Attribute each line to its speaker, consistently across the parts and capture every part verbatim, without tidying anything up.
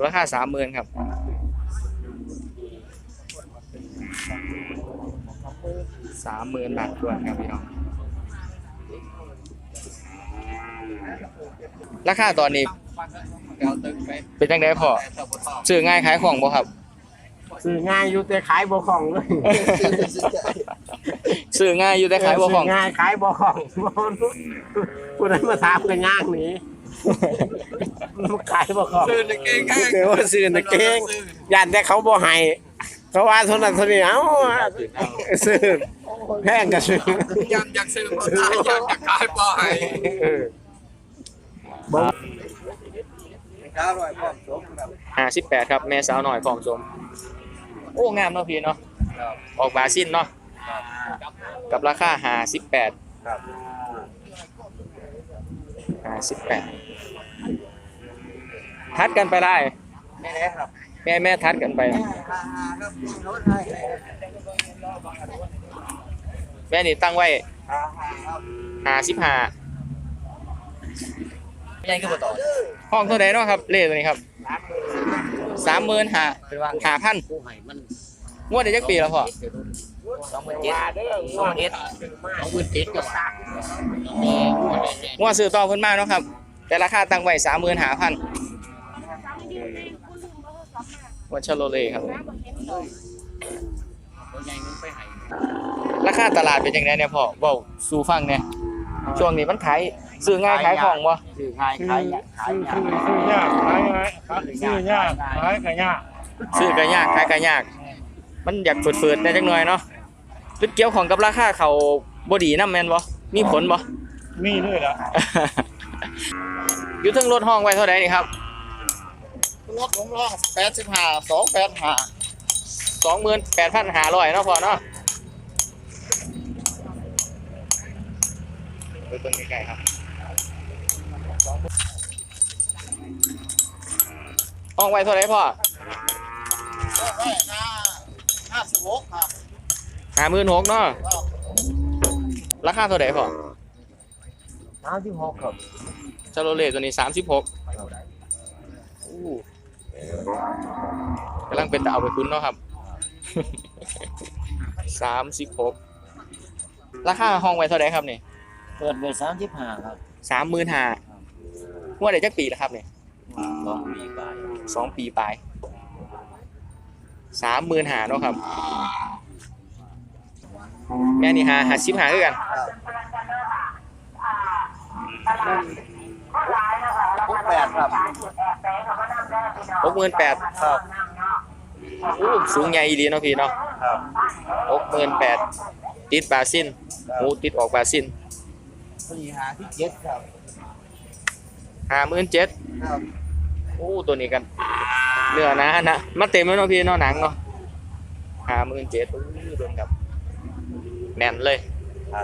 Speaker 1: ราคาสามหมื่นครับสามหมื่นบาททวนครับพี่น้องราคาตอนนี้เป็นจังไดพอซื้อง่ายขายของบ่ครับ
Speaker 2: ซื้อง่ายอยู่แต่ขายบ่คล่องเลย
Speaker 1: ซื้อง่ายอยู่แต่ขายบ่คล่อง
Speaker 2: ง่ายขายบ่คล่องผู้ใดมาถามก็ย่างหนีขายบ่คล่องซื้อตะเก่งเดี๋ยวว่าซื้อตะเก่งย่านแต่เขาบ่ให้เขาว่าเท่านั้นเท่านี้เอ้าซื้อแพงก็ซื้อ
Speaker 3: อยากอยากซื้อบ่ได้อยากอยากขายบ่ให้
Speaker 2: บ่
Speaker 3: ห้าร้อยพร้อมสมครับ
Speaker 1: ห้าสิบแปดครับแม่สาวหน่อยพร้อมสมโอ้งามเนาะพี่เนาะออกบาซินเนาะกับราคาห้าสิบแปด
Speaker 3: ครับ
Speaker 1: ห้าสิบแปดทัดกันไปได้
Speaker 3: แม่แน่ครับ
Speaker 1: แม่แม่ทัดกันไปแม่นี่ตั้งไว้ห้าสิบห้า
Speaker 3: ยังคือบ่ต่อ
Speaker 1: ห้องเท่าไหร่เนาะครับเลขตัวนี้ครับสามหมื่นห้าห้าพันงวดได้จักปีแล้วพ่อ
Speaker 3: สองหมื่นเจ็ดสองหมื่นเอ็ดสองหมื่นเจ็ดกับ
Speaker 1: งวดซื้อต่อเพิ่นมาเนาะครับแต่ราคาตั้งไว้สามหมื่นห้าพันวัชโรเล่ครับราคาตลาดเป็นยังไงเนี่ยพ่อเว้าสู่ฟังเนี่ยช่วงนี้มันขายซื้อง่ายขายของบ่
Speaker 3: ซื้อง่ายขายขายยาก
Speaker 2: ซื้อยากขายง่ายซื้อยากขายก็ยาก
Speaker 1: ซื้อก็ยากขายก็ยากมันอยากฝืดๆได้จักหน่อยเนาะหรือเกี่ยวของกับราคาเขาบ่ดีนำแม่นบ่มีผลบ่
Speaker 2: มีด้วยล่ะ
Speaker 1: อยู่ถึงรถห้องไว้เท่าใดนี่ครับ
Speaker 3: รถผมร้องแปดสิบห้า สองแปดห้า
Speaker 1: สองหมื่นแปดพันห้าร้อยเนาะพ่อเนาะไปเบิ่งใกล้ๆครับห้องไว้เท่าไหร่พ่อ
Speaker 3: ไว้ห้าห้าสิบหกครับ
Speaker 1: ห้าหมื่นหกเนาะราคาเท่าไหร่พ่อ
Speaker 2: สามสิบหกครับ
Speaker 1: ชาโรเล่ตัวนี้สามสิบหกกำลังเป็นตะเอาไปคุ้นเนาะครับสามสิบหกราคาห้องไว้เท่าไหร่ครับนี่
Speaker 2: เปิดไว้สามสิบห้าครับ
Speaker 1: สามหมื่นห้าหัวได้จักปีแล้วครับนี่
Speaker 2: สองปีปลาย
Speaker 1: สองปีปลายสามหมื่นห้าเนาะครับแม่นี่หาหาสิบห้าคือกัน
Speaker 3: หกแปดครับ
Speaker 1: หกหมื่นแปด
Speaker 3: ครับ
Speaker 1: สูงใหญ่ดีเนาะพี่เนาะ
Speaker 3: ครับ
Speaker 1: หกหมื่นแปดติดบาซินหูติดออกบาซิน
Speaker 3: สี่หาที่เจ็ดครับ
Speaker 1: ห้าหมื่นเจ็ด
Speaker 3: ครับ
Speaker 1: โอ้ตัวนี้กันเนื้อนะนะมาเต็มแล้วเนาะพี่เนาะหนังเนาะห้าหมื่นเจ็ดโดนกับแน่นเลย
Speaker 3: ครับ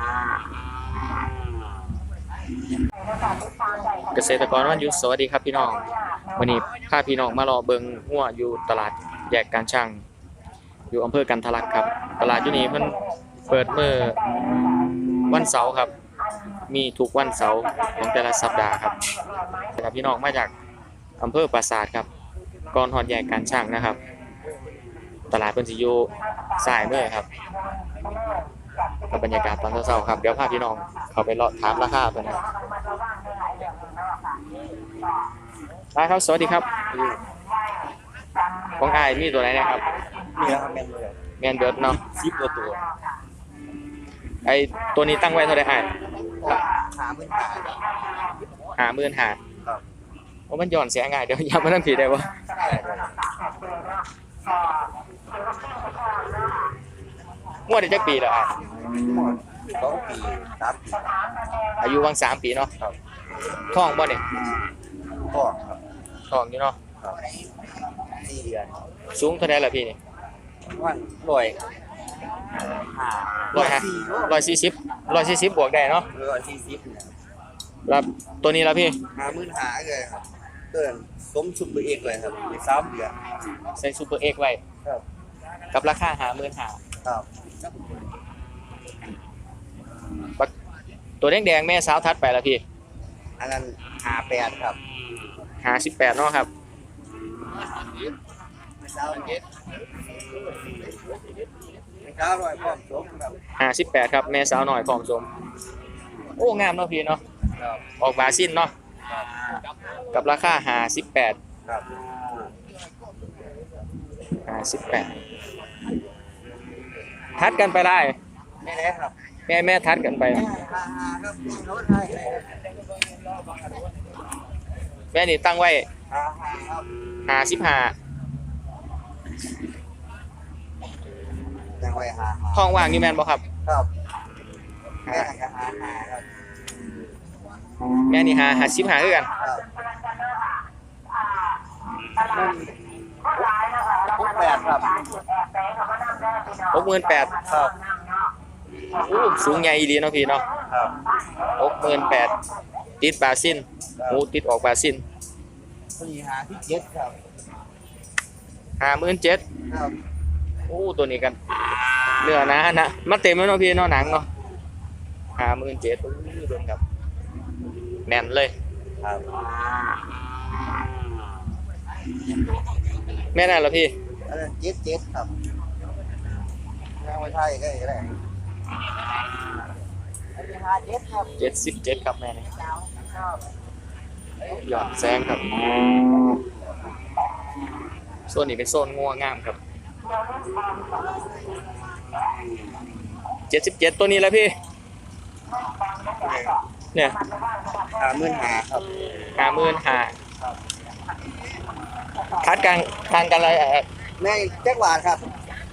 Speaker 1: เกษตรกรวันหยุดสวัสดีครับพี่น้องวันนี้พาพี่น้องมารอเบิงหัวอยู่ตลาดแยกการช่างอยู่อำเภอกันทะลักครับตลาดอยู่นี้เพิ่นเปิดเมื่อวันเสาร์ครับมีทุกวันเสาร์ของแต่ละสัปดาห์ครับแต่พี่น้องมาจากอำเภอปราสาทครับก่อนฮอดแยกการช่างนะครับตลาดเพิ่นสิอยู่ซ้ายมือครับกับบรรยากาศตอนเช้าๆครับเดี๋ยวพาพี่น้องเข้าไปเลาะถามราคาเพิ่นครับสวัสดีครับของอ้ายมีตัวไหนนะครับ
Speaker 3: มีครับแมนเบิร์ด
Speaker 1: แมนเบิร์ดเนาะ
Speaker 3: สิบกว่าตัว
Speaker 1: ไอตัวนี้ตั้งไว้เท่าไหร่อ้าย
Speaker 3: ห้าหมื่นห้า
Speaker 1: ห้าหมื่นห้า
Speaker 3: ครับ
Speaker 1: โอ้มันย้อนเสียง่ายเดี๋ยวย้ำมาทั้งผิดได้บ่งวดได้จักปีแล้วอ้าย
Speaker 3: สองปีสามปี
Speaker 1: อายุวังสามปีเนาะ
Speaker 3: ครับ
Speaker 1: ท้องบ่เนี่ย
Speaker 3: ท้องครับ
Speaker 1: ท้องอยู่เนาะ
Speaker 3: ครับสี่เดือน
Speaker 1: สูงเท่าไหร่ล่ะพี่นี่
Speaker 3: วันร้อยห้า
Speaker 1: ร้อยห้าร้อยสี่สิบร้อยสี่สิบบวกได้เนาะ
Speaker 3: ร้อยสี่สิบเนี่ย
Speaker 1: แล้วตัวนี้ล่ะพี่
Speaker 3: ห้าหมื่นห้าเลยครับเกินสมซุปเปอร์เอ็กเลยครับในสามเดือน
Speaker 1: ใส่ซูเปอร์เอ็กไว้
Speaker 3: ครับ
Speaker 1: กับราคาห้าหมื่นห้า
Speaker 3: ครับ
Speaker 1: ตัวแดงๆแม่สาวทัดไปแล้วพี่
Speaker 3: อันนั้นห้าแปดครับ
Speaker 1: ห้าสิบแปดเนาะครับ
Speaker 3: เช้าเจ็ดเช้าหน่อยพร้อมสมครับ
Speaker 1: ห้าสิบแปดครับแม่สาวหน่อยพร้อมสมโอ้งามเนาะพี่เนาะ
Speaker 3: ครับ
Speaker 1: ออกบาสิ้นเนาะกับราคาห้าสิบแปด
Speaker 3: ครับ
Speaker 1: ห้าสิบแปดทัดกันไปได้
Speaker 3: ไม่แน่ครับ
Speaker 1: แม่แม่ทัดกันไป
Speaker 3: ฮ่าฮ่าครับโน้ตให้
Speaker 1: แม่นี่ตั้งไว้
Speaker 3: ฮ่าฮ่าครับ
Speaker 1: ห้าสิบห้า
Speaker 3: ยังไว้ฮ่าฮ่า
Speaker 1: ท้องว่างนี่แม่นบ่ครับ
Speaker 3: ครับแม่ก็ฮ่าฮ่าครับ
Speaker 1: แม่นี่หาหาสิบหาคือกัน
Speaker 3: ครับหกแปดครับ
Speaker 1: หกหมื่นแปด
Speaker 3: ครับ
Speaker 1: อู้สูงใหญ่อีหลีเนาะพี่เนาะ
Speaker 3: ครับ
Speaker 1: หกหมื่นแปดติดบาซินหูติดออกบาซิน
Speaker 3: สี่หาที่เจ็ดครับ
Speaker 1: ห้าหมื่นเจ็ด
Speaker 3: ครับ
Speaker 1: อู้ตัวนี้กันเนื้อนะนะมาเต็มแล้วเนาะพี่เนาะหนังเนาะห้าหมื่นเจ็ดอู้โดนครับแน่นเลย
Speaker 3: ครับ
Speaker 1: แม่นั่นเหรอพี่
Speaker 3: อันนั้นเจ็ดเจ็ดครับยังไม่ใช่ก็ได้อันนี้หาเจ็ดครับ
Speaker 1: เจ็ดสิบเจ็ดครับแม่นี่หยอดแซงครับโซนนี้เป็นโซนงัวงามครับเจ็ดสิบเจ็ดตัวนี้แล้วพี่เนี่ย
Speaker 3: หาหมื่นหาครับ
Speaker 1: ห้าหมื่นห้าคัดกลางทางกันอะไร
Speaker 3: แม่แจ็คหวานครับ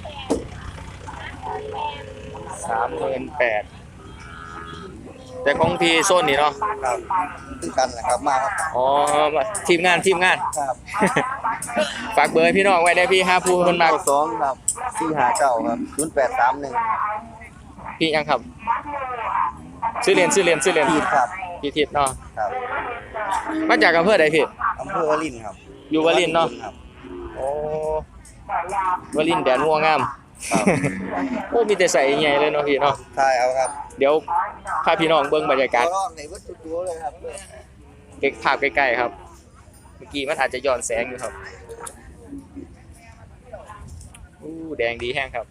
Speaker 1: สามหมื่นแปดแต่ของพี่โซนนี่เนาะ
Speaker 3: ครับตึ้งกันแหละครับมาครับ
Speaker 1: อ๋อทีมงานทีมงาน
Speaker 3: ครับ
Speaker 1: ฝากเบอร์ให้พี่น้องไว้ได้พี่ห้าผู้คนมา
Speaker 3: สองครับสี่หาเก้าครับศูนย์แปดสามหนึ่ง
Speaker 1: พี่ยังครับชื่อเรียนชื่อเรียนชื่อเรียน
Speaker 3: พีดครับ
Speaker 1: พี่ทิพย์เนาะ
Speaker 3: ครับ
Speaker 1: มาจากอำเภอใดพี่
Speaker 3: อำเภอวลินครับ
Speaker 1: อยู่วลินทร์เนาะ
Speaker 3: ครับ
Speaker 1: โอ้วลินทร์แดนงัวงาม
Speaker 3: ครับ
Speaker 1: โอ้มีแต่ใส่ใหญ่เลยเนาะพี่เนาะ
Speaker 3: ใช่เอาครับ
Speaker 1: เดี๋ยวพาพี่น้องเบิ่งบรรยากาศ
Speaker 3: ตัวรอดในวัตถุตัวเลยครับ
Speaker 1: เก็บภาพใกล้ๆครับ เมื่อกี้มันอาจจะย้อนแสงอยู่ครับอู้แดงดีแห้งครับ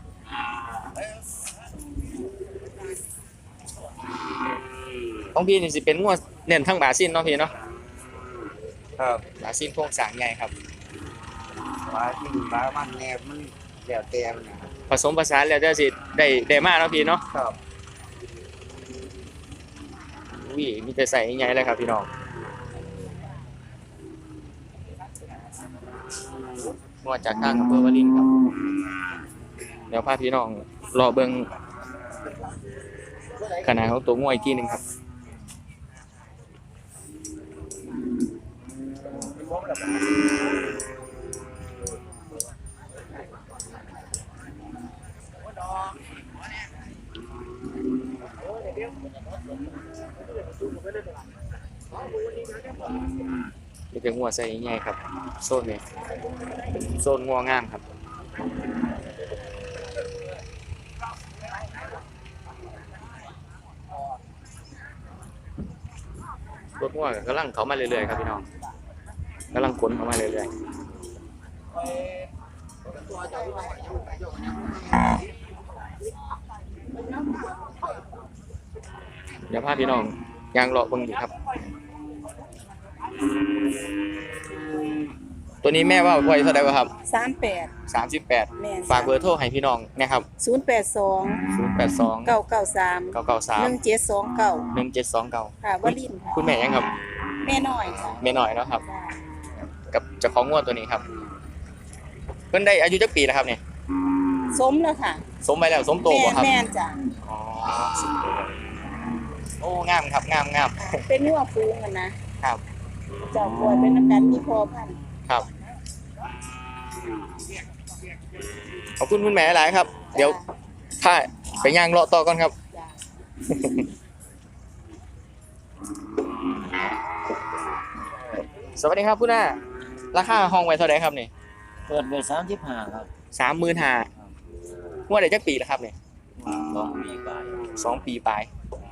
Speaker 1: ของพี่นี่สิเป็นงัวเน้นทั้งบาซินเนาะพี่เนาะ
Speaker 3: ครับ
Speaker 1: บาซินโครงสร้างใหญ่ครับ
Speaker 3: ปลาที่ปลามันแนบมันแดดเต็มนะครับ
Speaker 1: ผสมผสานแล้วจะสิได้ได้มากเนาะพี่เนาะ
Speaker 3: ครับ
Speaker 1: อุ้ยมีแต่ใส่ใหญ่เลยครับพี่น้องงัวจากทางอำเภอวารินครับเดี๋ยวพาพี่น้องรอเบิ่งขนาดของตัวงัวอีกทีหนึงครับมีแต่งัวใส่ใหญ่ครับโซนนี้โซนงัวงามครับรถงัวก็กำลังเข้ามาเรื่อยๆครับพี่น้องกำลังขนเข้ามาเรื่อยๆเดี๋ยวพาพี่น้องยางเลาะเบิ่งอยู่ครับตัวนี้แม่ว่าไว้เท่าไหร่วะครับ
Speaker 4: สามแปด
Speaker 1: สามสิบแปด
Speaker 4: แม่น
Speaker 1: ฝากเบอร์โทรให้พี่น้องนะครับ
Speaker 4: ศูนย์แปดสอง
Speaker 1: ศูนย์แปดสอง
Speaker 4: เก้าเก้าสาม
Speaker 1: เก้าเก้าสา
Speaker 4: ห
Speaker 1: ม
Speaker 4: นึ่งเจ็ดสองเก้า
Speaker 1: หนึ่งเจ็ดสองเก้า
Speaker 4: ค่ะวลินทร์ค่ะ
Speaker 1: คุณแม่ยังครับ
Speaker 4: แม่น้อยค่ะ
Speaker 1: แม่หน่อยเนาะครับ กับเจ้าของงวดตัวนี้ครับ เพิ่นได้อายุจักปีแล้วครับเนี่ย
Speaker 4: สมแล้วค่ะ
Speaker 1: สมไปแล้วสมโต
Speaker 4: แม่
Speaker 1: บ่ครับ
Speaker 4: แม่นจ้ะ
Speaker 1: อ๋อสมโตโอ้งามครับงามงาม
Speaker 4: เป็นนัวฟูงกันนะครับ เจ้าป่วยเป็นน้ำกันมีพอพันธุ์
Speaker 1: ครับขอบคุณคุณแม่หลายครับ เดี๋ยวถ้าไปย่างเลาะต่อก่อนครับ
Speaker 4: จ้ะ
Speaker 1: สวัสดีครับคุณน้าราคาห้องไว้เท่าไหร่ครับนี่
Speaker 3: เปิดไปสามสิบห้าครับ
Speaker 1: สามหมื่นห้าหัวได้จักปีแล้วครับเนี่ย
Speaker 3: สองปีไป
Speaker 1: สองปีปลาย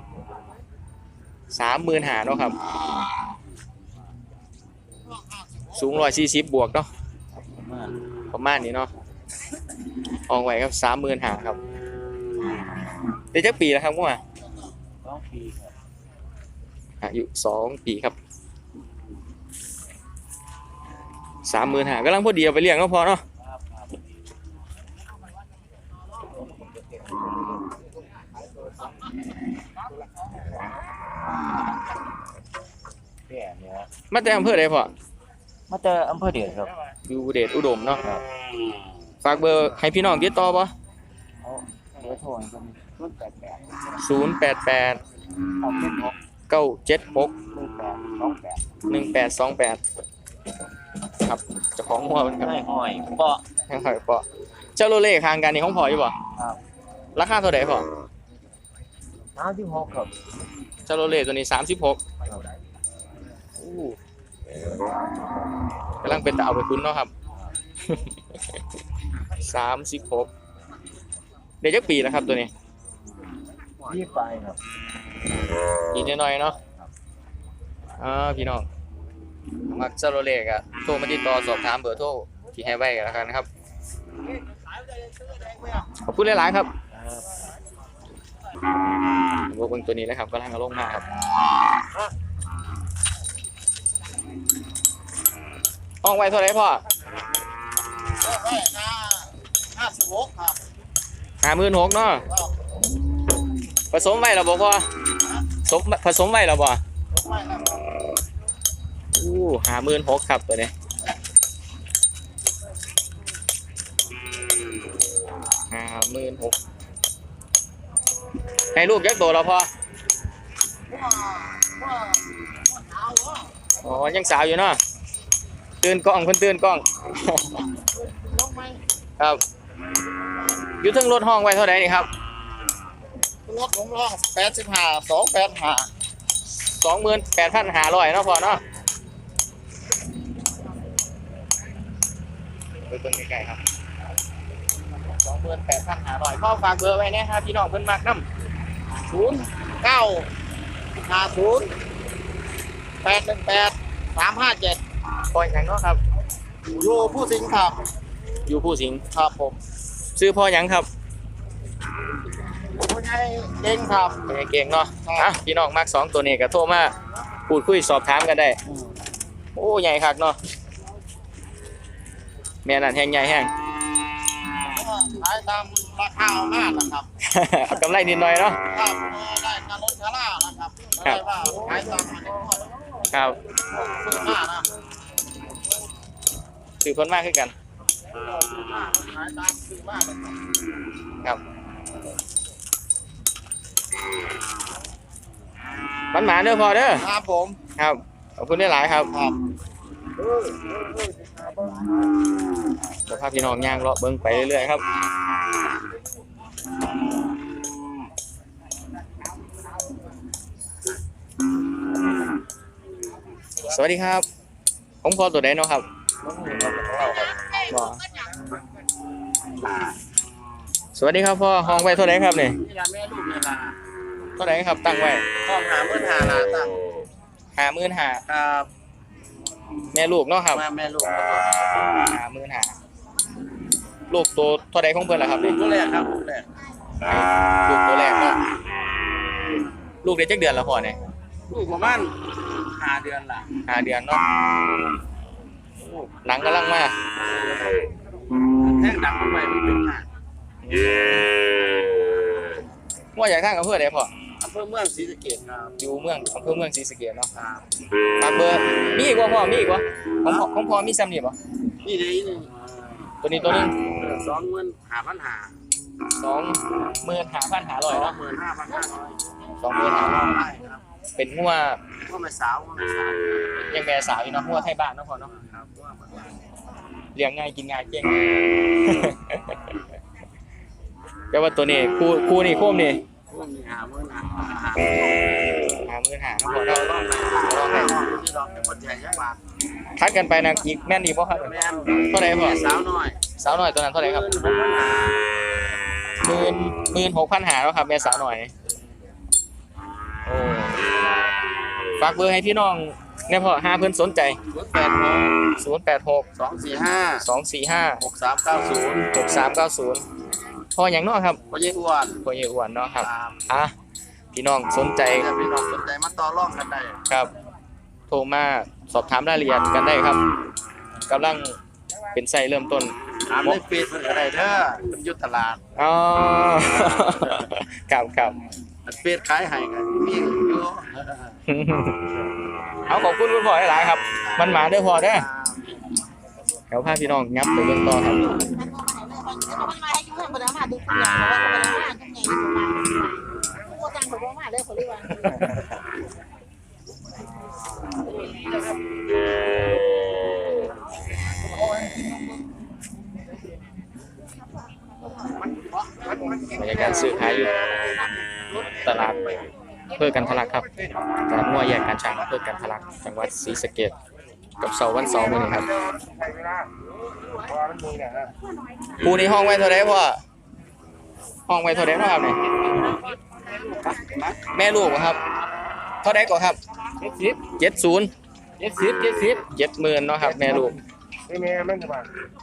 Speaker 1: สามหมื่นห้าเนาะครับสูงร้อยสี่สิบบวกเนาะประมาณนี้เนาะออกไว้ครับสามหมื่นห้าครับเดี๋ยวจะปีแล้วครับมั่ว
Speaker 3: สองปีครับ
Speaker 1: อายุสองปีครับสามหมื่นห้ากำลังพอดีเอาไปเลี้ยงก็พอเนาะ
Speaker 3: ครับครับ แก่เนี่ย
Speaker 1: มาแต่อำเภอใดพอ
Speaker 3: มาแต่อำเภอเดชครับ
Speaker 1: อยู่เดชอุดมเนาะ
Speaker 3: ครับ
Speaker 1: ฝากเบอร์ให้พี่น้องติดต่อป่ะ
Speaker 3: เขาเบอร์โทรกันรุ่นแปดแปด
Speaker 1: ศูนย์แปดแปด
Speaker 3: เอาเจ็ดหก
Speaker 1: เก้าเจ็ดหก
Speaker 3: หนึ่งแปดสองแปด
Speaker 1: หนึ่งแปดสองแปดครับเจ้าของหัวมันครับ
Speaker 3: ไม่ห้อยเปาะ
Speaker 1: ให้หอยปอเจ้าโรเล่คางกันนี่ของพออยู่บ่
Speaker 3: ครับ
Speaker 1: ราคาเท่าไหร่พอ
Speaker 3: น้ำที่หกครับ
Speaker 1: เจ้าโรเล่ตัวนี้สามสิบหกกำลังเป็นตาเอาไปคุ้นเนาะครับ สามสิบหกเดี๋ยวจะปีแล้วครับตัวนี้
Speaker 3: ยี่ไปครับ
Speaker 1: ปีน้อยๆเนาะอ่าพี่น้องมักเจ้าโรเล่ก็โทรมาติดต่อสอบถามเบอร์โทรที่ให้ไว้กันแล้วกันนะครับขอบคุณหลายๆครับวัวเบิ่งตัวนี้เลยครับกำลังเอาลงมาครับห้องไว้เท่าไหร่พ่อ
Speaker 3: ห้าสิบหกครับ
Speaker 1: ห้าหมื่นหกเนาะผสมไว้แล้วบ่พ่อสมผสมไว้แล้วบ่อู้ห้าหมื่นหกครับตัวนี้ห้าหมื่นหกให้ลูกยักษ์โตแล้วพ่ออ๋อยังสาวอยู่เนาะตื่นกล้องเพิ่นตื่นกล้อง ครับอยู่เทั้งรถห้องไว้เท่าไหร่นี่ครับ
Speaker 3: รถผมร้องแปดสิบห้าสองแปดห้า
Speaker 1: สองหมื่นแปดพันห้าร้อยเนาะพ่อเนาะไปเบิ่งใกล้ๆครับสองหมื่นแปดพันห้าร้อยพ่อฝากเบอร์ไว้เนี่ยครับพี่น้องเพิ่นมักนำ
Speaker 3: ศูนย์เก้าห้าศูนย์แปดหนึ่งแปดสามห้าเจ็ด
Speaker 1: ปล่อยหยังเนาะครับ
Speaker 3: อยู่ผู้สิงห์ครับ
Speaker 1: อยู่ผู้สิงห์
Speaker 3: ครับผม
Speaker 1: ซื้อพ่อหยังครับ
Speaker 3: ผู้ใหญ่เก่งครับ
Speaker 1: เป็นไงเก่งเนาะอ่ะพี่น้องมักสองตัวนี้ก็โทรมาพูดคุยสอบถามกันได้โอ้ใหญ่คักเนาะแม่นั่นแห้งใหญ่แห้ง
Speaker 3: ขายตามราคาเอาหน้านะครับ
Speaker 1: เอากำไรนิดหน่อยเนาะ
Speaker 3: ครับได้การลดชาร่านะครับไม่ได้ว่าขายตามมันก็
Speaker 1: ครับ
Speaker 3: ซื้อหน้านะ
Speaker 1: ซื้อคนมากขึ้นกัน
Speaker 3: ซื้อหน้าขายตามซื้อมากเลยครับ
Speaker 1: ครับมันหมาเด้อพอเด้อ
Speaker 3: ครับผม
Speaker 1: ครับขอบคุณได้หลายครับ
Speaker 3: ครับ
Speaker 1: เดี๋ยวพาพี่น้องย่างเลาะเบิ้งไปเรื่อยๆครับสวัสดีครับผมพอตัวใดเนาะครับบ่สวัสดีครับพ่อห้องไว้เท่าไหร่ครับเนี่ย
Speaker 3: นี่ละแม่ลูกนี่ละ
Speaker 1: เท่าไหร่ครับตั้งไว้
Speaker 3: ห้องหาเมื่อหาลาตั้ง
Speaker 1: ห้าหมื่นห้า
Speaker 3: ครับ
Speaker 1: แม่ลูกเนาะครับ
Speaker 3: แม่แม่ลูก
Speaker 1: ห้าหมื่นห้าลูกตัวเท่าใดของเพิ่นล่ะครับ
Speaker 3: ลู
Speaker 1: นี่
Speaker 3: กตัวแรกครับลูกแรก
Speaker 1: ลูกตัวแรกเนาะลูกได้จักเดือนแล้วพ่อเนี่ย
Speaker 3: ลูกประมาณห้าเดือนละ
Speaker 1: ห้าเดือนเนาะหนังกำลังมา
Speaker 3: แท่งดังเข้าไปมันเป็นหา
Speaker 1: ว่าอยากทางอำเภอใดพ่อ
Speaker 3: อำเภอเมืองศรีสะเกษครับ
Speaker 1: อยู่เมืองอำเภอเมืองศรีสะเกษเนาะ
Speaker 3: ครับ
Speaker 1: ฝากเบอร์มีอีกบ่พ่อมีอีกบ่ของพ่อของพ่อมีซ้ำนี่บ่
Speaker 3: นี่เดี๋ยวนี้
Speaker 1: ตัวนี้ตัวนึง
Speaker 3: สองหมื่นห้าพันห้า
Speaker 1: สองหมื่นห้าพันห้าร้อย
Speaker 3: สอง
Speaker 1: เนาะ
Speaker 3: หมื่นห้าพันห้าร้อย
Speaker 1: สองหมื่นห้าร้อย
Speaker 3: ได้ครับ
Speaker 1: เป็นงัว
Speaker 3: ว่าไม่สาวว่าไม่สาว
Speaker 1: ยังแม่สาวอยู่เนาะงัวไทยบ้านเนาะพ่อเนาะ
Speaker 3: ครับว่ามัน
Speaker 1: เลี้ยงง่ายกินง่ายเก่ง แต่ว่าตัวนี้คู่คู่นี่โคมนี่
Speaker 3: ว่ามีหาเมื่อหาหา
Speaker 1: ห้าหมื่นห้าเนาะพ่อเนาะลองให้
Speaker 3: ที่เราเป็นคนใหญ่ยักษ์บาท
Speaker 1: คัดกันไปนะอีกแม่นดีบ่ครับ
Speaker 3: แม่น
Speaker 1: เท่าไหร่พ่อ
Speaker 3: สาวน้อย
Speaker 1: สาวหน่อยตัวนั้นเท่าไหร่ครับ
Speaker 3: หมื่นหกพันห้า
Speaker 1: หมื่นหมื่นหกพันหาแล้วครับแม่สาวหน่อยโอ้ฝากเบอร์ให้พี่น้องเนี่ยพ่อห้าเพิ่นสนใจ
Speaker 3: ศูนย์แปดหก
Speaker 1: ศูนย์แปดหก
Speaker 3: สองสี่ห้า
Speaker 1: สองสี่ห้า
Speaker 3: หกสามเก้าศูนย์
Speaker 1: หกสามเก้าศูนย์พ่อหยังเนาะครับ
Speaker 3: พ่อเยี่อ้วน
Speaker 1: พ่อเยอ้วนเนาะครับ
Speaker 3: ตาม
Speaker 1: อ่ะพี่น้องสนใจ
Speaker 3: จะพี่น้องสนใจมาต่อรองกันได้
Speaker 1: ครับ โทรมาสอบถามรายละเอียดกันได้ครับกำลังเป็นไส้เริ่มต้น
Speaker 3: ถามในเฟซเพิ่นก็ได้เด้อเป็นอยุทธตลาด
Speaker 1: อ๋อ ครับครับ
Speaker 3: อันเฟซขายให้กันมีอยู่
Speaker 1: เอาขอบคุณคุณพ่อหลายๆครับ มันมาเด้อพ่อเด้อเดี๋ยวพาพี่น้องงับไปเบิ่งต่อครับ
Speaker 4: มันมาให้ยุ่งให้บ่ได้มาดูอย่างเพราะว่าบ่ได้มาจังไงอยู่ว่าบ่ต่างเขาบ่มาเด้อเขาเรียกว่า
Speaker 1: บรรยากาศซื้อขายอยู่ตลาดเพื่อกันทะลักครับตลาดงัวแยกการช่างเพื่อกันทะลักจังหวัดศรีสะเกษกับเสาร์วันเสาร์มื้อนี้ครับปูนี่ห้องไว้เท่าไหร่พ่อห้องไว้เท่าไหร่พ่อครับเนี่ยแม่ลูกบ่ครับเท่าไหร่ก่อนครับเจ็ดศูนย์
Speaker 2: เจ็ดสิบเจ็ดสิบ
Speaker 1: เจ็ดหมื่นเนาะครับแม่ลูก
Speaker 2: แม่มันจะมา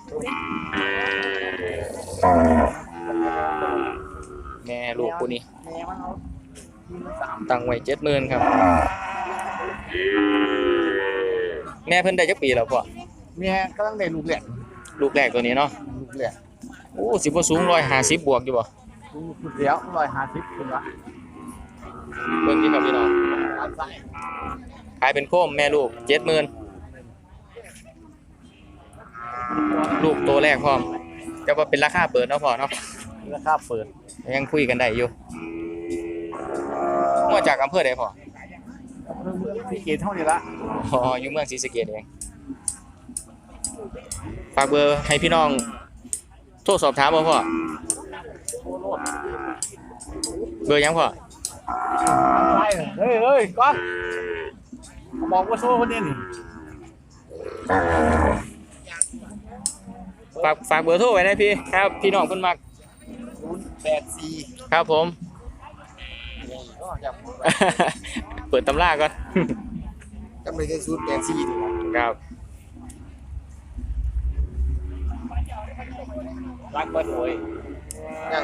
Speaker 1: แม่ลูกปูนี่ตั้งไว้เจ็ดหมื่นครับแม่เพิ่นได้จักปีแล้วพ่อ
Speaker 3: แม่กำลังได้ลูกแหลก
Speaker 1: ลูกแรกตัวนี้เนาะ
Speaker 3: ลูกแหลก
Speaker 1: โอ้สิบ่สูงหนึ่งร้อยห้าสิบบวกอยู่บ่
Speaker 3: ลูกเดียวร้อยห้าสิบคุณวะ
Speaker 1: เบิ่งที่ครับพี่น้อง
Speaker 3: อันใส่
Speaker 1: ขายเป็นโคมแม่ลูกเจ็ดหมื่นลูกตัวแรกพร้อมแต่ว่าเป็นราคาเปิดเนาะพ่อเนาะ
Speaker 3: ราคาเปิด
Speaker 1: ยังคุยกันได้อยู่มาจากอำเภอใดพ่อ
Speaker 3: ที่เกตเท่านี้ละ
Speaker 1: อ๋ออยู่เมืองศรีสะเกษเองฝากเบอร์ให้พี่น้องโทรสอบถามบ่พ่อเบอร์หยังพ่อ
Speaker 3: ไปเฮ้ยเฮ้ยก้อนบอกว่าโซ่คนนี้นี่
Speaker 1: ฝากฝากเบอร์โทรไว้นะพี่ครับพี่น้องเพิ่นมัก
Speaker 3: ศูนย์แปดสี่
Speaker 1: ครับผม
Speaker 3: ก็อยาก
Speaker 1: เปิดตำราก่อน
Speaker 3: จำเลยแค่ศูนย์แปดสี่
Speaker 1: ครับ
Speaker 3: รักเบิดเลยยัง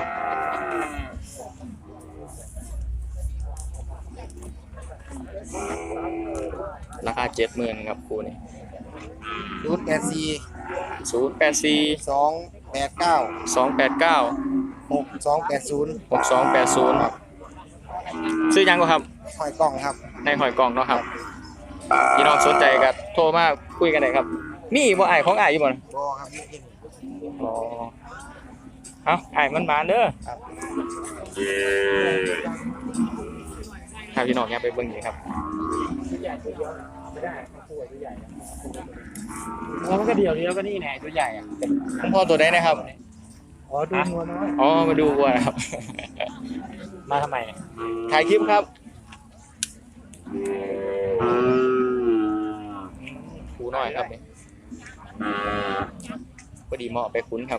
Speaker 1: ราคาเจ็ดหมื่นครับครูนี่
Speaker 3: ศูนย์แปดสี่
Speaker 1: ศูนย์แปดสี่
Speaker 3: สองแปดเก้า
Speaker 1: สองแปดเก้า
Speaker 3: หกสองแปดศูนย์
Speaker 1: หกสองแปดศูนย์ซื้อยังก็ครับ
Speaker 3: หอยกล่องครับ
Speaker 1: ในหอยกล่องเนาะครับพี่น้องสนใจก็โทรมาคุยกันได้ครับมีบ่อ้ายของอ้ายอยู่บ่นะ
Speaker 3: บอครับนี่กิน
Speaker 1: อ๋อเอาอ้ายมันมาเด้อ
Speaker 3: ครับ
Speaker 1: ครับพี่น้องอย่าไปเบิ่งนี่ครับ
Speaker 2: มันก็เดียวเดียวก็นี่แน่ตัวใหญ่อ่ะ
Speaker 1: คุณพ่อตัวใดนะครับ
Speaker 2: อ๋อดูงัวน้อย
Speaker 1: อ๋อมาดูวัวนะครับ
Speaker 2: มาทำไม
Speaker 1: ถ่ายคลิปครับคูน้อยครับนี่พอดีเหมาะไปคุ้นครับ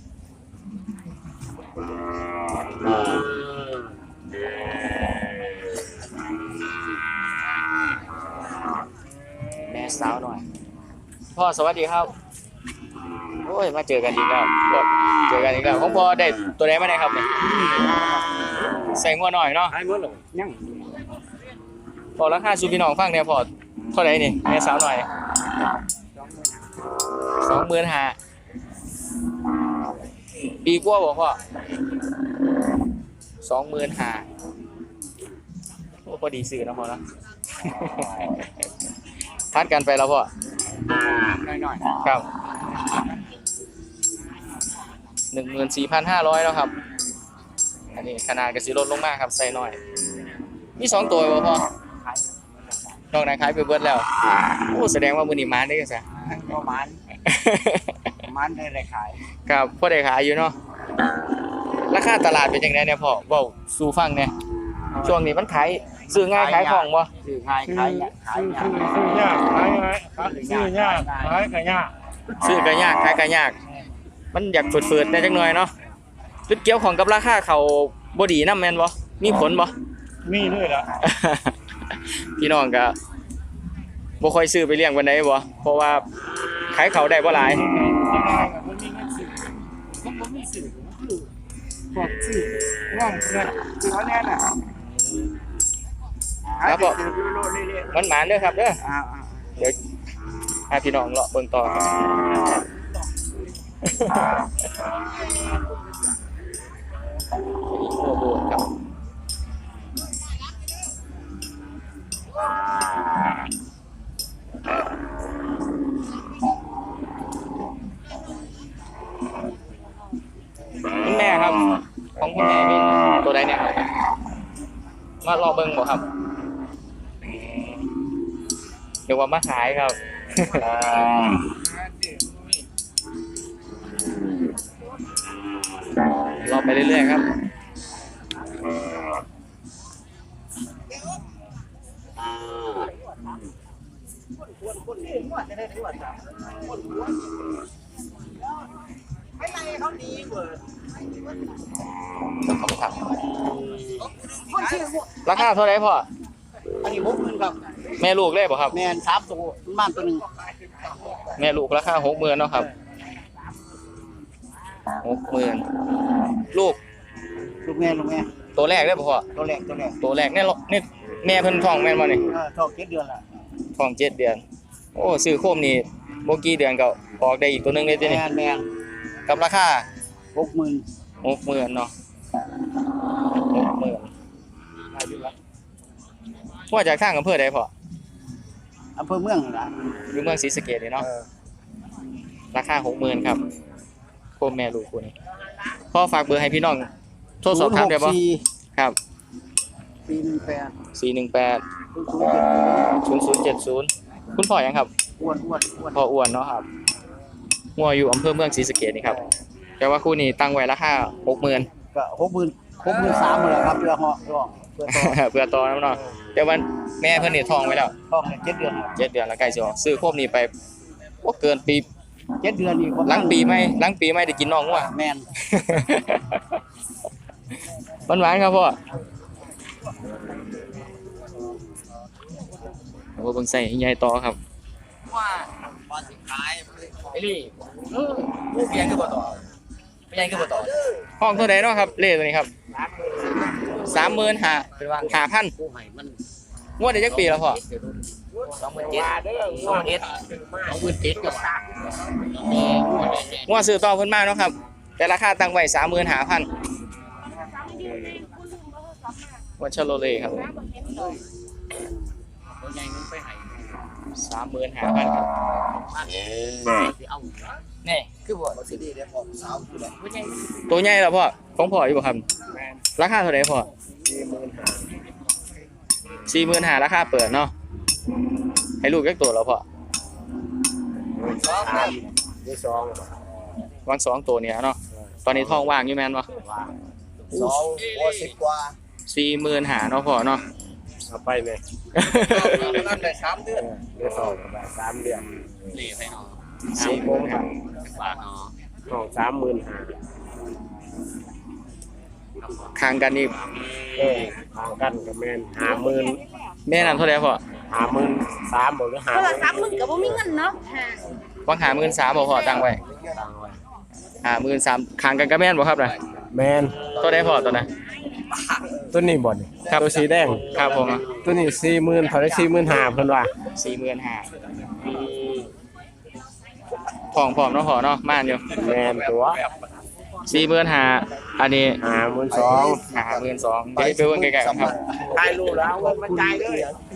Speaker 1: แม่สาวหน่อย พ่อสวัสดีครับ โอ้ย มาเจอกันอีกแล้วก็เจอกันอีกแล้วของพ่อได้ตัวไหนมาได้ครับเนี่ยใส่งัวหน่อยเนาะ
Speaker 2: หายหมดเลยยัง
Speaker 1: พอราคาซูพี่น้องฟังเนี่ยพอเท่าไหร่นี่แม่สาวหน่อยสองหมื่นห้าปีกว่าบอกพ่อสองหมื่นห้าโอ้พอดีซื้อนะพ่อเนาะ ทัดกันไปแล้วพ่อ
Speaker 3: น้อย
Speaker 1: ครับหนึ่งหมื่นสี่พันห้าร้อยแล้วครับ อันนี้ขนาดกระสีลดลงมากครับใส่หน่อย มีสองตัวบ่พ่อนอกนั้นขายไปเบิดแล้ว โอ้แสดงว่ามือนี้มานได้กันซะ
Speaker 3: ๆประมาณประมาณได้ได้ขาย
Speaker 1: ครับพ่อได้ขายอยู่เนาะ ราคาตลาดเป็นยังไงเนี่ยพ่อเว้าสู่ฟังเนี่ยช่วงนี้มันขายซื้อง่ายขายของบ่
Speaker 3: ซื้อง่ายขายยากขายยาก
Speaker 2: ซื้อยากขายง่ายซื้อยากขายก็ยาก
Speaker 1: ซื้อก็ยากขายก็ยาก มันอยากฝืดๆได้จักหน่อยเนาะจุดเกี่ยวของกับราคาเขาบ่ดีนำแม่นบ่มีผลบ่
Speaker 2: มีด้วยล่ะ
Speaker 1: พี่น้องก็บ่ค่อยซื้อไปเลี้ยงปานใดบ่เพราะว่าขายเขาได้บ่หลาย
Speaker 3: มันมีเงินซื้อมันบ่มีซื้อมันคือพวกซื้อว่างเงินซื้อเขาแน่น่ะ
Speaker 1: ครับผม
Speaker 3: โลดเรื่อย
Speaker 1: มันหมานเด้อครับเด้อ
Speaker 3: ๆอ่า
Speaker 1: เดี๋ยวพาพี่น้องเลาะเบิ่งต่อครับโอ้โหครับคุณแม่ครับ ของคุณแม่มีตัวใดเนี่ยครับมารอเบิ่งบ่ครับเดี๋ยวว่ามาขายครับ รอไปเรื่อยๆครับ
Speaker 4: ไม่ไรเขาดีเว้ย
Speaker 1: ขอบคุณครับ
Speaker 4: คนชื่อ
Speaker 1: ราคาเท่าไหร่พ่อ
Speaker 3: อันนี้หกหมื่นครับ
Speaker 1: แม่ลูกเลยบ่ครับ
Speaker 3: แมนสามตัวบ้านตัวหนึ่ง
Speaker 1: แม่ลูกราคาหกหมื่นเนาะครับหกหมื่นลูก
Speaker 3: ลูกแม่ลูกแม่
Speaker 1: ตัวแรกได้บ่พ่อ
Speaker 3: ตัวแรกตัวแรก
Speaker 1: ตัวแรกเนี่ยนี่แม่เพิ่นท้องแม่นบ่นี่
Speaker 3: เออท้องเจ็ดเดือนละ
Speaker 1: ท้องเจ็ดเดือน โอ้ซื้อโคมนี่บ่กี่เดือนก็ออกได้อีกตัวหนึงเลยติ
Speaker 3: แม
Speaker 1: นี่
Speaker 3: นแมน
Speaker 1: กับราคา
Speaker 3: หกหมื่น
Speaker 1: หกหมื่นเนาะหกหมื่นว่าจากทางอำเภอใดพ่อ
Speaker 3: อำเภอเมืองนี่ล่ะ
Speaker 1: อยู่เมืองศรีสะเกษนี่เนาะ
Speaker 3: เออ
Speaker 1: ราคาหกหมื่นครับโคมแม่ลูกคู่นี้พ่อฝากเบอร์ให้พี่น้องโทรสอบถามได้บ่
Speaker 3: ศูนย์หกสี่
Speaker 1: ครับ
Speaker 3: สี่หนึ่งแปด
Speaker 1: สี่หนึ่งแปด
Speaker 3: ศูนย์ศูนย์เจ็ด
Speaker 1: ศูนย์ศูนย์เจ็ดศูนย์คุณพ่อหยังครับ
Speaker 3: อ้วนอ้วนอ้วน
Speaker 1: พ่ออ้วนเนาะครับงัวอยู่อำเภอเมืองศรีสะเกษนี่ครับแต่ว่าคู่นี้ตั้งไว้ราคาหกหมื่น
Speaker 3: ก็หกหมื่นหกหมื่นสามหมดแล้วครับเรือเหาะร้องเพื่อต่อ
Speaker 1: เพื่อต่อน้ำเนาะแต่ว่าแม่เพิ่นนี่ท้องไว้แล้ว
Speaker 3: ท้องเจ็ดเดือนครับ
Speaker 1: เจ็ดเดือนแล้วใกล้สิออกซื้อโคมนี้ไปโอ้เกินปี
Speaker 3: เจ็ดเดือนนี่ประมาณ
Speaker 1: หลังปีใหม่หลังปีใหม่ได้กินน้องงัว
Speaker 3: แมน
Speaker 1: หวานๆครับพ่อเอาเบิ่งใส่ใหญ่ต่อครับ
Speaker 4: ว่าว่าสิขาย
Speaker 1: ไอ้ลี่เออลูกยังคือบ่ต่อไม่ยังคือบ่ต่อห้องเท่าใดเนาะครับเลขตัวนี้ครับสามหมื่นห้าห้าพัน
Speaker 3: ผู้ให้มัน
Speaker 1: งวดได้จักปีแล้วพ่อ
Speaker 3: สองหมื่นเจ็ดสองหมื่นเจ็ดสองหมื่นเจ็ดกับแม่
Speaker 1: งวดซื้อต่อเพิ่นมาเนาะครับแต่ราคาตั้งไว้สามหมื่นห้าพันงวดชาโลเล่ครับสามหมื่นห้าพันครับ
Speaker 3: เอา
Speaker 1: นี่
Speaker 3: คือบ่สิดีเด้อของสาวอยู่แล้ว
Speaker 1: ตัวใหญ่แล้วพ่อของพ่ออยู่บ่ครับราคาเท่าไหร่พ่อสี่หมื่นห้าราคาเปิดเนาะให้ลูกจักตัวแล้วพ่อ
Speaker 2: ที่สอง
Speaker 1: วางสองตัวเนี่ยเนาะตอนนี้ท้องว่างอยู่แม่นบ่
Speaker 2: สองหัวสิบกว่า
Speaker 1: สี่หมื่นห้าเนาะพ่อเนาะ
Speaker 2: เอาไปเลย
Speaker 3: นั่นได้สามเดือน
Speaker 2: เดือนสองสามเดือน
Speaker 1: สี่หมื่นห้า
Speaker 2: สองสามหมื่นห้า
Speaker 1: ข้างกันนี่
Speaker 2: เออทางกันกับแมนห้าหมื่น
Speaker 1: แม่นั่นเท่าไหร่พ่อ
Speaker 2: ห้าหมื่นสามบอกหรือห้า
Speaker 4: โทรศัพท์มึงก็บ่มีเงินเนาะ
Speaker 1: วางหาหมื่นสามบ่พ่อตั้งไว้
Speaker 2: ตังไว้
Speaker 1: หาหมื่นสามข้างกันกับแม่นบ่ครับน่ะ
Speaker 2: แมน
Speaker 1: เท่าใดพ่อตัวน่ะ
Speaker 2: ตัวนี้บ่น
Speaker 1: ครับ
Speaker 2: ตัวสีแดง
Speaker 1: ครับผม
Speaker 2: ตัวนี้สี่หมื่นเท่าไรสี่หมื่นห้าเพิ่นว่า
Speaker 1: สี่หมื่นห้าทองพร้อมเนาะพ่อเนาะม่านอยู่
Speaker 2: แมนตัว
Speaker 1: สี่หมื่นห้าอันนี้
Speaker 2: ห้าหมื่นสอง
Speaker 1: หาหมื่นสองเดี๋ยวไปเบิ่งใกล้ๆกันครับ
Speaker 2: ตายรู้แล้วว่ามันจ่ายเลย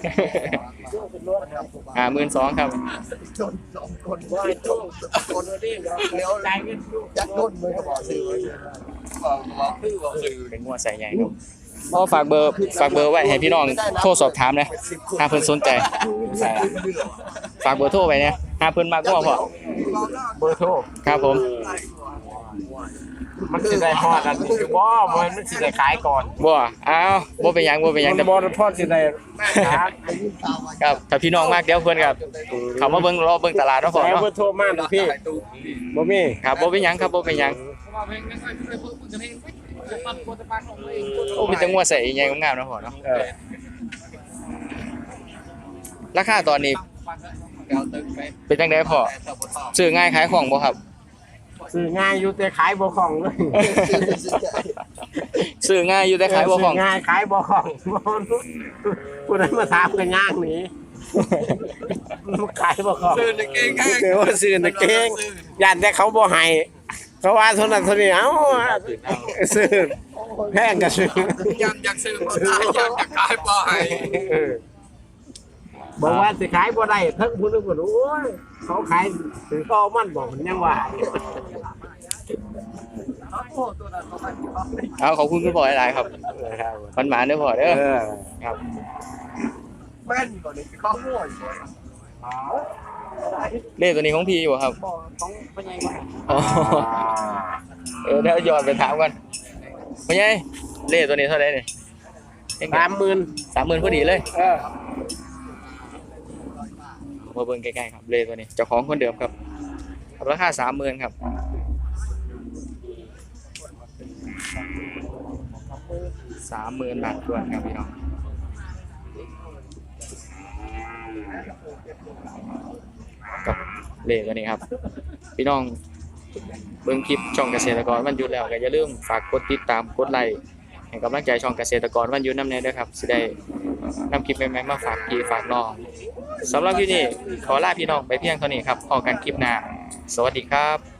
Speaker 1: หาหมื่นสองครับ
Speaker 2: คนว่าต้องคนนี้เดี๋ยวรายเงินจัดต้นมือก็บอกซื้อบอกคือบอกซื้อ
Speaker 1: เป็นงัวใส่ใหญ่ครับพ่อฝากเบอร์ฝากเบอร์ไว้ให้พี่น้องโทรสอบถามนะถ้าเพิ่นสนใจใส่ละฝากเบอร์โทรไว้เนี่ยถ้าเพิ่นมักงัวพ่อ
Speaker 2: เบอร์โทร
Speaker 1: ครับผม
Speaker 2: มันสิได้ฮอดอันนี้คือบ่มันมันสิได้ขายก่อน
Speaker 1: บ่อ้าวบ่เป็นหยังบ่เป็นหยัง
Speaker 2: มัน
Speaker 1: แต่
Speaker 2: บ่พอสิได้ขาย
Speaker 1: ครับถ้าพี่น้องมากเดี๋ยวเพิ่นครับเขามาเบิ่งรอเบิ่งตลาดเนาะพ่อ
Speaker 2: แล้ว
Speaker 1: เนาะ
Speaker 2: เบอร์โทรมาดูพี่บ่มี
Speaker 1: ครับบ่เป็นหยังครับบ่เป็นหยังโอ้มีแต่งัวใส่ใหญ่งามๆเนาะพ่อเนาะ
Speaker 2: เออ
Speaker 1: ราคาตอนนี้เป็นจังไดพ่อซื้อง่ายขายของบ่ครับ
Speaker 2: ซื้อง่ายอยู่แต่ขายบ่คล่องเลย
Speaker 1: ซื้อง่ายอยู่แต่ขายบ่ของ
Speaker 2: ซื้ง่ายขายบ่คล่องผู้ใดมาถามกันย่างหนี้ขายบ่คล่องซื้อตะเกงแค่ว่าซื้อตะเกงย่านแต่เขาบ่ให้เขาว่าเท่านั้นเท่านี้เอ้าซื้อแพงก็ซื้อ
Speaker 3: ยันอยากซื้อบ่ได้ยันอยากขายบ่ให้
Speaker 2: บอกว่าสิขายบ่ได้ทั้งผู้นึงบ่รู้โอ้ยเขาขายถือก็มันบอกมันยังว่า
Speaker 1: เอาขอบคุณคุณพ่อหลายๆครับมันหมาเด้อพ่อเด้อ
Speaker 2: เออ
Speaker 1: ครับ
Speaker 3: แม่นก่อนนี่ข้าวโพด
Speaker 1: เลขตัวนี้ของพี่อยู่บ่ครับ
Speaker 3: บ่ต้องเป็นไงวะ
Speaker 1: อ๋อเออเดี๋ยวย้อนไปถามกันพ่อใหญ่เลขตัวนี้เท่าไหร่นี่
Speaker 2: สามหมื่น
Speaker 1: สามหมื่นพอดีเลย
Speaker 2: เออ
Speaker 1: มาเบิ่งใกล้ๆครับเลขตัวนี้เจ้าของคนเดิมครับราคาสามหมื่นครับสามหมื่นบาททวนครับพี่น้องกับเลขตัวนี้ครับพี่น้องเบิ่งคลิปช่องเกษตรกรวันหยุดแล้วก็อย่าลืมฝากกดติดตามกดไลค์ให้กำลังใจช่องเกษตรกรวันหยุดนำแน่ด้วยครับสิได้นำคลิปใหม่ๆมาฝากพี่ฝากน้องสำหรับคลิปนี้ขอลาพี่น้องไปเพียงเท่านี้ครับพบกันคลิปหน้าสวัสดีครับ